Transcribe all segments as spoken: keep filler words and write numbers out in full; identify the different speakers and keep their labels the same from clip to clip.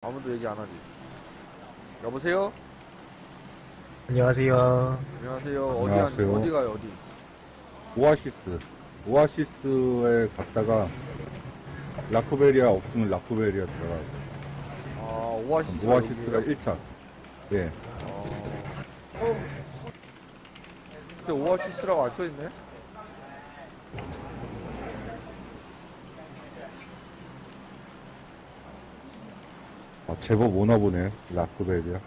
Speaker 1: 아무도 얘기 안 하지. 여보세요?
Speaker 2: 안녕하세요.
Speaker 1: 안녕하세요. 어디,
Speaker 3: 안녕하세요.
Speaker 1: 안, 어디 가요, 어디?
Speaker 3: 오아시스. 오아시스에 갔다가 라쿠베리아 없으면 라쿠베리아 들어가고.
Speaker 1: 아, 오아시스.
Speaker 3: 오아시스가 일 차. 예.
Speaker 1: 어. 근데 오아시스라고 안 써있네?
Speaker 3: 아, 제법 오나 보네. 라쿠베리아.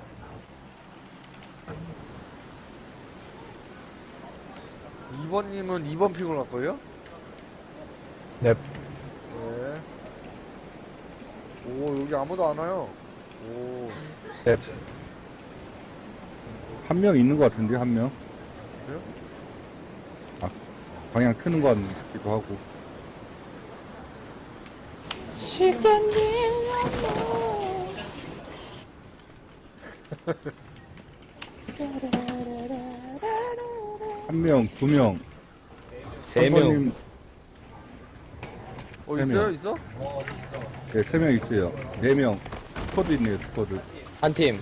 Speaker 1: 이 번님은 이 번 픽을 갈 거예요?
Speaker 2: 넵.
Speaker 1: 네. 오, 여기 아무도 안 와요. 오,
Speaker 2: 넵.
Speaker 3: 한 명 있는 것 같은데, 한 명.
Speaker 1: 그래요?
Speaker 3: 아, 방향 크는 것 같기도 하고. 한 명, 두 명.
Speaker 2: 세 명.
Speaker 3: 선생님,
Speaker 1: 어,
Speaker 3: 세
Speaker 1: 있어요?
Speaker 3: 명.
Speaker 1: 있어?
Speaker 3: 네, 세 명 있어요. 네 명. 스쿼드 있네요, 스쿼드.
Speaker 2: 한 팀.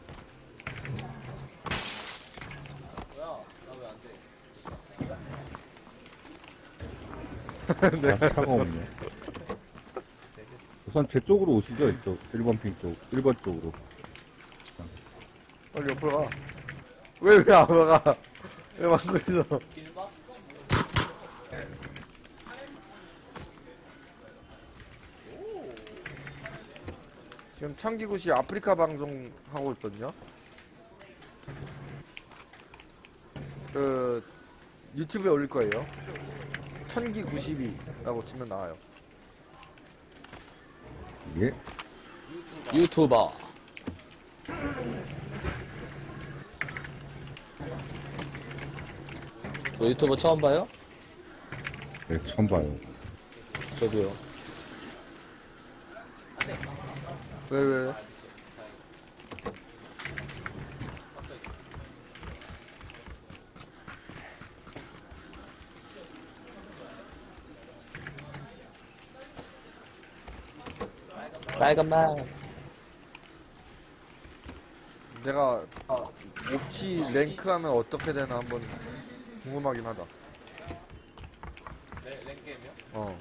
Speaker 1: 네.
Speaker 3: 아, 차가 없네. 우선 제 쪽으로 오시죠, 이쪽. 일 번 핑 쪽. 일 번 쪽으로.
Speaker 1: 빨리 옆으로 가. 왜, 왜 안 가? 왜 막고 있어? 지금 창기구시 아프리카 방송 하고 있거든요. 그 유튜브에 올릴 거예요. 천기 구십이라고 치면 나와요.
Speaker 3: 예.
Speaker 2: 유튜버. 저 유튜버 처음 봐요?
Speaker 3: 네, 처음 봐요.
Speaker 2: 저도요.
Speaker 1: 왜, 왜?
Speaker 2: 빨간만.
Speaker 1: 내가 아, 옵치 랭크 하면 어떻게 되나 한번 궁금하긴 하다.
Speaker 4: 랭, 랭게임이요?
Speaker 1: 어.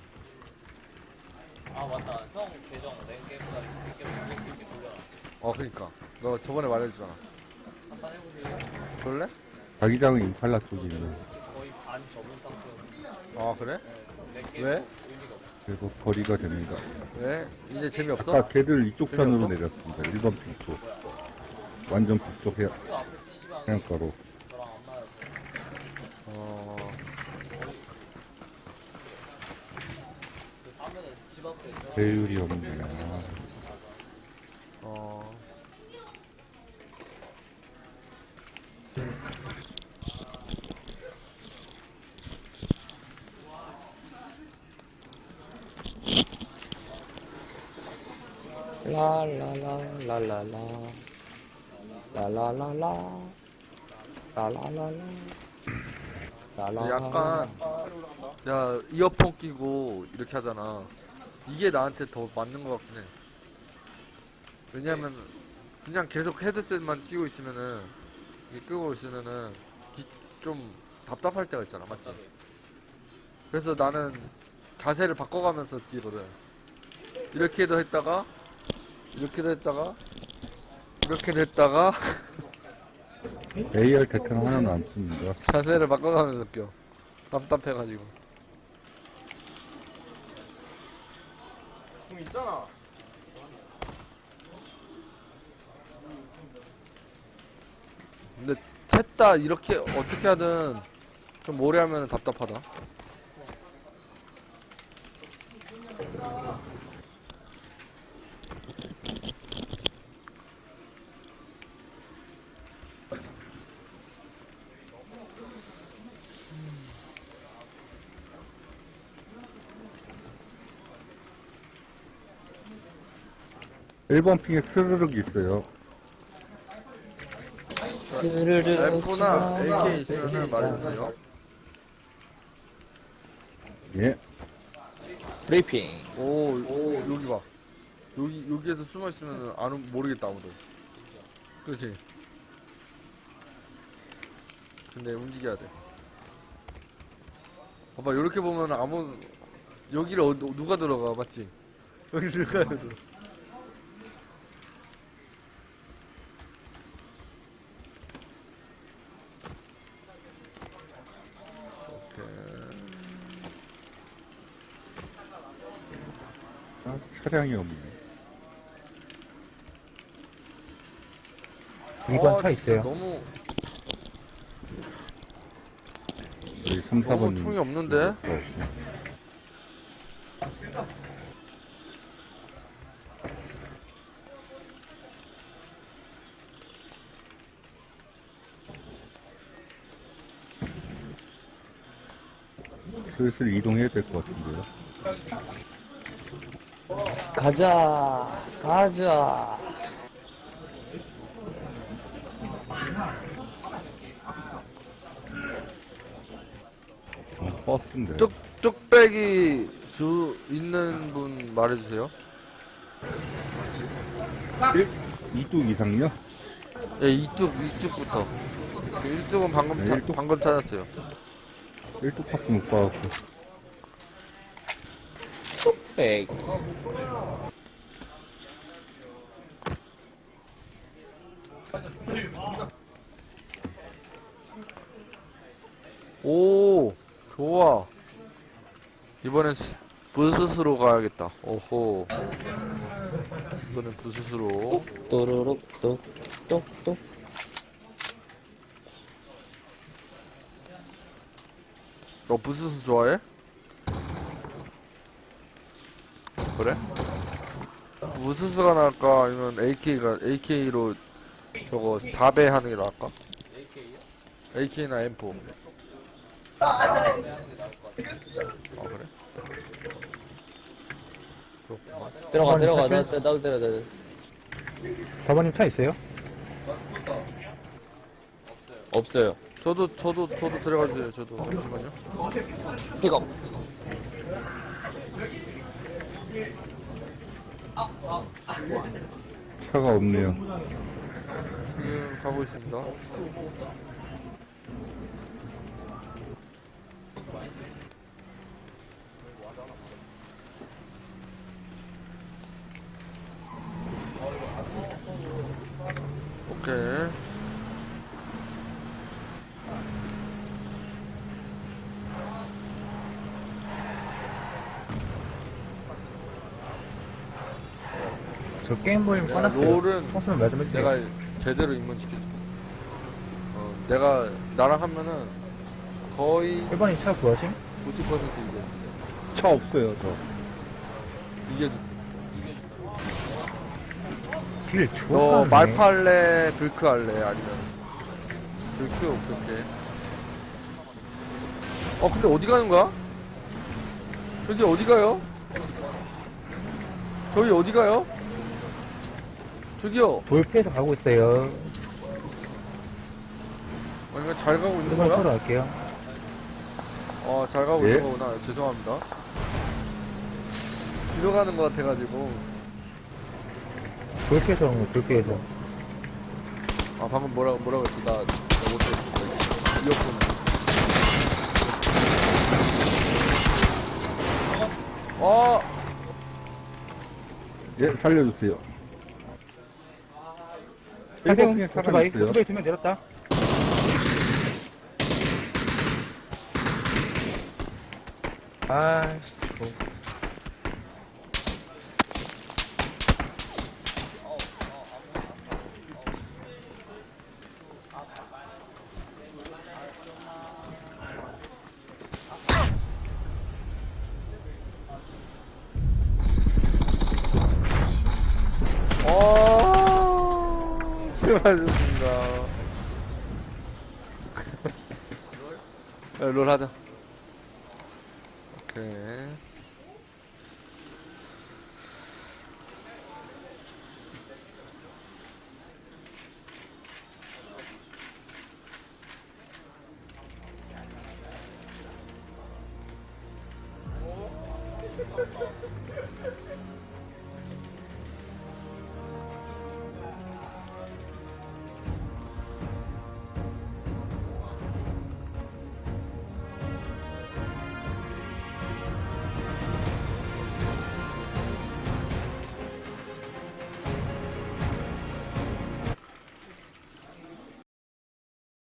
Speaker 4: 아 맞다 형 계정 랭게임보다 랭게임 돌릴 수 있게 돌려놨어
Speaker 1: 어, 그니까. 너 저번에 말해주잖아.
Speaker 4: 한판 해보세요.
Speaker 1: 그럴래?
Speaker 3: 자기장은 임팔라 쪽이 있네.
Speaker 4: 거의 반 접은 상태였는데
Speaker 1: 아, 그래?
Speaker 4: 랭게임
Speaker 1: 왜?
Speaker 4: 의미가 없어.
Speaker 3: 그래서 거리가 됩니다.
Speaker 1: 왜? 이제 재미없어?
Speaker 3: 아까 걔들 이쪽
Speaker 1: 재미없어?
Speaker 3: 편으로 내렸습니다. 일 번 핑 쪽. 완전 북쪽 해,
Speaker 4: 그 앞에 피씨방
Speaker 3: 해안가로.
Speaker 4: 저랑 안 맞아서
Speaker 1: 어,
Speaker 4: 그 사면은 집 앞에 있죠.
Speaker 3: 배율이 없네. 아,
Speaker 1: 어.
Speaker 2: 라라라라라라. 라라라라. 라라라라. 라라라라.
Speaker 1: 약간, 야, 이어폰 끼고 이렇게 하잖아. 이게 나한테 더 맞는 것 같긴 해. 왜냐면, 그냥 계속 헤드셋만 끼고 있으면은, 이게 끄고 있으면은, 기- 좀 답답할 때가 있잖아. 맞지? 그래서 나는 자세를 바꿔가면서 뛰거든. 이렇게도 했다가, 이렇게도 했다가, 이렇게도 했다가,
Speaker 3: 에이알 대탄 하나는 안 씁니다.
Speaker 1: 자세를 바꿔가면서 껴. 답답해가지고. 공 있잖아. 근데 셋 다 이렇게 어떻게 하든 좀 오래 하면 답답하다.
Speaker 3: 일 번 핑에 스르륵 있어요.
Speaker 2: 스르르.
Speaker 1: 엠포나 에이케이 있으면 말해주세요.
Speaker 3: 예.
Speaker 2: 브리핑.
Speaker 1: 오, 오, 여기 봐. 여기 여기에서 숨어 있으면 안 오- 모르겠다 아무도. 그렇지. 근데 움직여야 돼. 봐봐 이렇게 보면 아무 여기를 어, 누가 들어가 맞지? 여기 들어가야 돼.
Speaker 3: 아, 차량이 없네.
Speaker 5: 이 번
Speaker 1: 아,
Speaker 5: 차
Speaker 1: 진짜
Speaker 5: 있어요.
Speaker 1: 너무
Speaker 3: 여기 삼, 사
Speaker 1: 너무
Speaker 3: 번.
Speaker 1: 총이 없는데?
Speaker 3: 슬슬 이동해야 될 것 같은데요.
Speaker 2: 가자, 가자.
Speaker 3: 어, 버스인데.
Speaker 1: 뚝 뚝배기 주 있는 분 말해주세요.
Speaker 3: 이 뚝 이상요?
Speaker 1: 예, 이뚝 이뚝부터. 일뚝은 방금
Speaker 3: 네,
Speaker 1: 차,
Speaker 3: 일뚝.
Speaker 1: 방금 찾았어요.
Speaker 3: 일 뚝밖에 못 봐갖고.
Speaker 2: 에이.
Speaker 1: 오, 좋아. 이번엔 스- 부스스로 가야겠다. 오호. 이번엔 부스스로.
Speaker 2: 또르륵, 똑, 똑, 똑.
Speaker 1: 너 부스스 좋아해? 그래? 부스스가 나을까? 아니면 에이케이가, 에이케이로 저거 사 배 하는 게 나을까? 에이케이나 엠 사. 아, 그래? 그렇구만.
Speaker 2: 들어가,
Speaker 5: 번
Speaker 2: 들어가.
Speaker 5: 타실?
Speaker 2: 나, 나, 나도 들어, 나도.
Speaker 5: 사 번님 차 있어요?
Speaker 2: 없어요.
Speaker 1: 저도, 저도, 저도 들어가 주세요. 저도. 잠시만요.
Speaker 2: 픽업.
Speaker 3: 차가 없네요.
Speaker 1: 지금 가고 있습니다. 오케이.
Speaker 5: 저 게임 보임
Speaker 1: 야,
Speaker 5: 꺼놨어요.
Speaker 1: 롤은
Speaker 5: 청소는 말좀 해주세요.
Speaker 1: 내가 제대로 입문시켜줄게. 어, 내가, 나랑 하면은 거의
Speaker 5: 일 번님 차 구하심?
Speaker 1: 구십 퍼센트 이겨.
Speaker 3: 차 없어요, 저.
Speaker 1: 이겨줄게.
Speaker 5: 길
Speaker 1: 너
Speaker 5: 좋아.
Speaker 1: 말파 할래? 불크 할래? 아니면 불크? 오케이 오케이. 어 근데 어디 가는 거야? 저기 어디 가요? 저기 어디 가요? 저기요.
Speaker 5: 돌피해서 가고 있어요.
Speaker 1: 아니면 잘 가고 있는
Speaker 5: 일 번
Speaker 1: 거야?
Speaker 5: 타러 갈게요.
Speaker 1: 어 잘 가고
Speaker 3: 예?
Speaker 1: 있는 거구나. 죄송합니다. 뒤로 가는 거 같아가지고.
Speaker 5: 돌피해서 오는 거, 돌피해서.
Speaker 1: 아 방금 뭐라 뭐라 그랬어? 나, 나 못했어. 이어폰. 어.
Speaker 3: 예, 살려주세요.
Speaker 5: 하세요.
Speaker 3: 일곱 중에 차가
Speaker 5: 오토바이,
Speaker 3: 있어요.
Speaker 5: 오토바이 두 명 내렸다. 아, 저...
Speaker 1: 어, 수고하셨습니다. 롤 하자. 오케이.